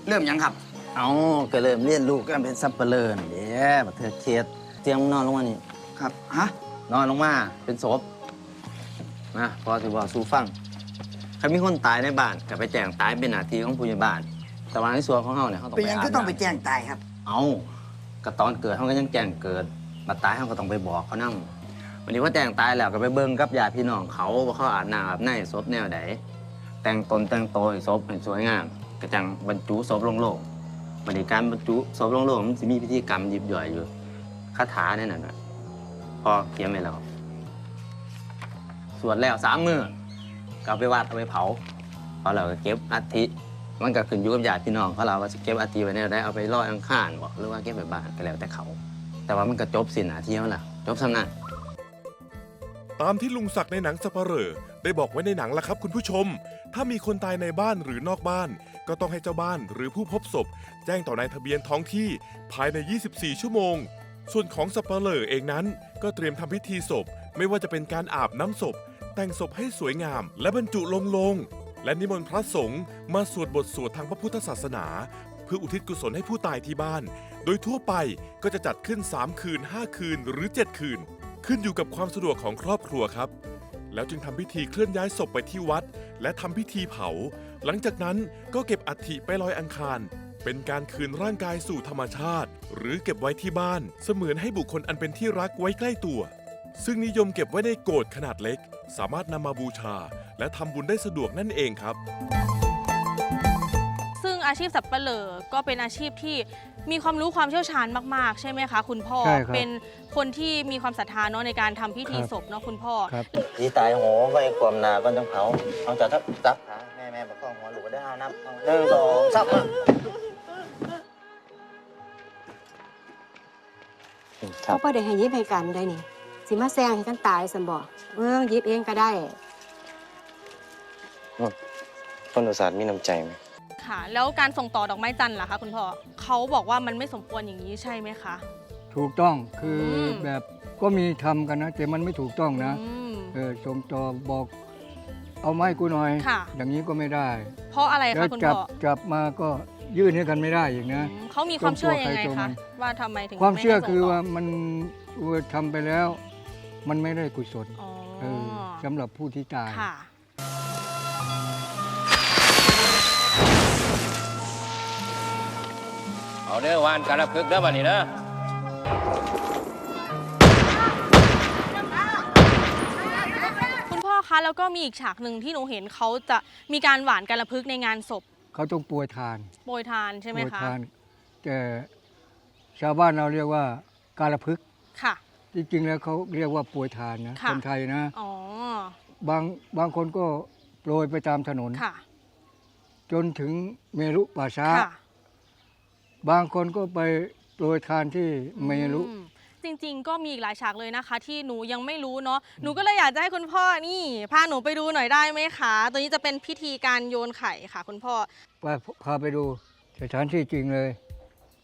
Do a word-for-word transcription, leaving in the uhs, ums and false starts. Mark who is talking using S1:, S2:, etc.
S1: เริ่มยังครับ
S2: เอาก็เริ่มเรียนรู้กันเป็นซับเปลือนี่เด้บักเธอเคสเตียงนอนลงมานี่
S1: ครับฮะ
S2: นอนลงมาเป็นศพนะพอถือว่าสู้ฟังใครมีคนตายในบ้านก็ไปแจ้งตายเป็นหน้าที่ของผู้ใหญ่บ้านแต่ว่าในส่วนของเขาเนี่ยเขาต้อง
S1: เป็น
S2: ไป
S1: ยัง
S2: อา
S1: ก็
S2: บ
S1: ต้องไป
S2: น้ำ
S1: แจ้งตายครับ
S2: เอาก็ตอนเกิดเขาก็ยังแจ้งเกิดมาตายเขาก็ต้องไปบอกเขานั่งวันนี้ว่าแจ้งตายแล้วก็ไปเบิ่งกับญาติพี่น้องเขาว่าเขาอาบน้ำอาบในศพแนวไหนแต่งตนแต่งตัวให้ศพให้สวยงามก็จังบรรจุศพลงโลงบริการบรรจุศพลงโลงมันจะมีพิธีกรรมยิบย่อยอยู่คาถาเนี่ยน่ะพอเขียนไว้แล้วสวดแล้วสามมือก็เอาไปวัดเอาไปเผาพอเราก็เก็บอัฐิมันก็ขึ้นอยู่กับญาติพี่น้องเขาเราว่าจะเก็บอัฐิไว้แนวใดเอาไปลอยอังคารบ่หรือว่าเก็บไว้บ้านก็แล้วแต่เขาแต่ว่ามันก็จบสิ้นหน้าที่แล้วล่ะจบสำนัก
S3: ตามที่ลุงศักดิ์ในหนังสัปเหร่อได้บอกไว้ในหนังล่ะครับคุณผู้ชม ถ้ามีคนตายในบ้านหรือนอกบ้าน ก็ต้องให้เจ้าบ้านหรือผู้พบศพ แจ้งต่อนายทะเบียนท้องที่ภายใน ยี่สิบสี่ ชั่วโมง ส่วนของสัปเหร่อเองนั้นก็เตรียมทำพิธีศพ ไม่ว่าจะเป็นการอาบน้ำศพ แต่งศพให้สวยงาม และบรรจุลงโลง และนิมนต์พระสงฆ์มาสวดบทสวดทางพระพุทธศาสนา เพื่ออุทิศกุศลให้ผู้ตายที่บ้าน โดยทั่วไปก็จะจัดขึ้นสามคืนห้าคืนหรือเจ็ดคืน ขึ้นอยู่กับความสะดวกของครอบครัวครับ แล้วจึงทำพิธีเคลื่อนย้ายศพไปที่วัด และทำพิธีเผา หลังจากนั้นก็เก็บอัฐิไปลอยอังคาร เป็นการคืนร่างกายสู่ธรรมชาติ หรือเก็บไว้ที่บ้าน เสมือนให้บุคคลอันเป็นที่รักไว้ใกล้ตัว ซึ่งนิยมเก็บไว้ในโกฐขนาดเล็ก สามารถนำมาบูชา และทำบุญได้สะดวกนั่นเองครับ
S4: ซึ่งอาชีพสับปะเหร่อก็เป็นอาชีพที่มีความรู้ความเชี่ยวชาญมากๆ ใช่ไหมคะคุณพ่อ
S5: ใช่ครับ
S4: เป็นคนที่มีความศรัทธาเนาะในการทำพิธีศพเนาะคุณพ่อ
S5: ครับ
S2: ที่ตายโหไว้ความหนาก่อนจังเผาเอาจากทับจับขาแม่แม่ประคองหัวหลูกได้เอานับหนึ่งสองสามครั
S6: เขา
S2: บ
S6: ก็ได้ให้ยิบให้กันได้นี่ สิมาแซงให้กันตายสันบอกเมืองยิบเองก็ได้
S7: คนอุตสาห์มีน้ำใจไหม
S4: ค่ะ แล้วการส่งต่อดอกไม้จันทร์ล่ะคะคุณพ่อเขาบอกว่ามันไม่สมควรอย่างนี้ใช่ไหมคะ
S5: ถูกต้องคืออ
S4: ม
S5: แบบก็มีทำกันนะ แต่มันไม่ถูกต้องนะ
S4: อืม
S5: เออส่งต่อบอกเอาไม้กูหน่อย
S4: ค่ะ
S5: อย่างนี้ก็ไม่ได้
S4: เพราะอะไร
S5: แล้
S4: คะ
S5: ว
S4: คุณ
S5: จั
S4: พ่อ
S5: จับมาก็ยื่นให้กันไม่ได้อีกนะ
S4: อืมเขามีความเชื่อยังไง
S5: ตัวใครตัวมั
S4: คะ
S5: น
S4: ว่าทำไมถึง
S5: ความเชื่อ
S4: ไให้ส่ง
S5: คือ
S4: ต่
S5: ว่ามันว่าทำไปแล้ว มันไม่ได้กุศล
S4: อ๋อ
S5: เออสำหรับผู้ที่ตาย
S4: ค่ะ
S7: เอาเด้อวานการะพึกเด้อบัดนี้เด้อ
S4: คุณพ่อคะแล้วก็มีอีกฉากหนึ่งที่หนูเห็นเขาจะมีการหวานกาละพึกษ์ในงานศพ
S5: เขาต้องป่วยทาน
S4: โปรยทานใช่ไหม
S5: ป่วย
S4: คะ
S5: ทาน แต่ชาวบ้านเราเรียกว่าการพึกษ์
S4: ค่ะ
S5: จริงๆแล้วเขาเรียกว่าป่วยทานนะ
S4: ค่ะ
S5: คนไทยนะ
S4: อ๋อ
S5: บางบางคนก็โปรยไปตามถนน
S4: ค่ะ
S5: จนถึงเมรุป่าช้า
S4: ค่ะ
S5: บางคนก็ไปโปรยทานที่เมรุ
S4: อืมจริงๆ ก็มีอีกหลายฉากเลยนะคะ ที่หนูยังไม่รู้เนาะหนูก็เลยอยากจะให้คุณพ่อนี่พาหนูไปดูหน่อยได้ไหมคะตัวนี้จะเป็นพิธีการโยนไข่ค่ะ คุณพ่อ
S5: ไปพาไปดูสถานที่จริงเลย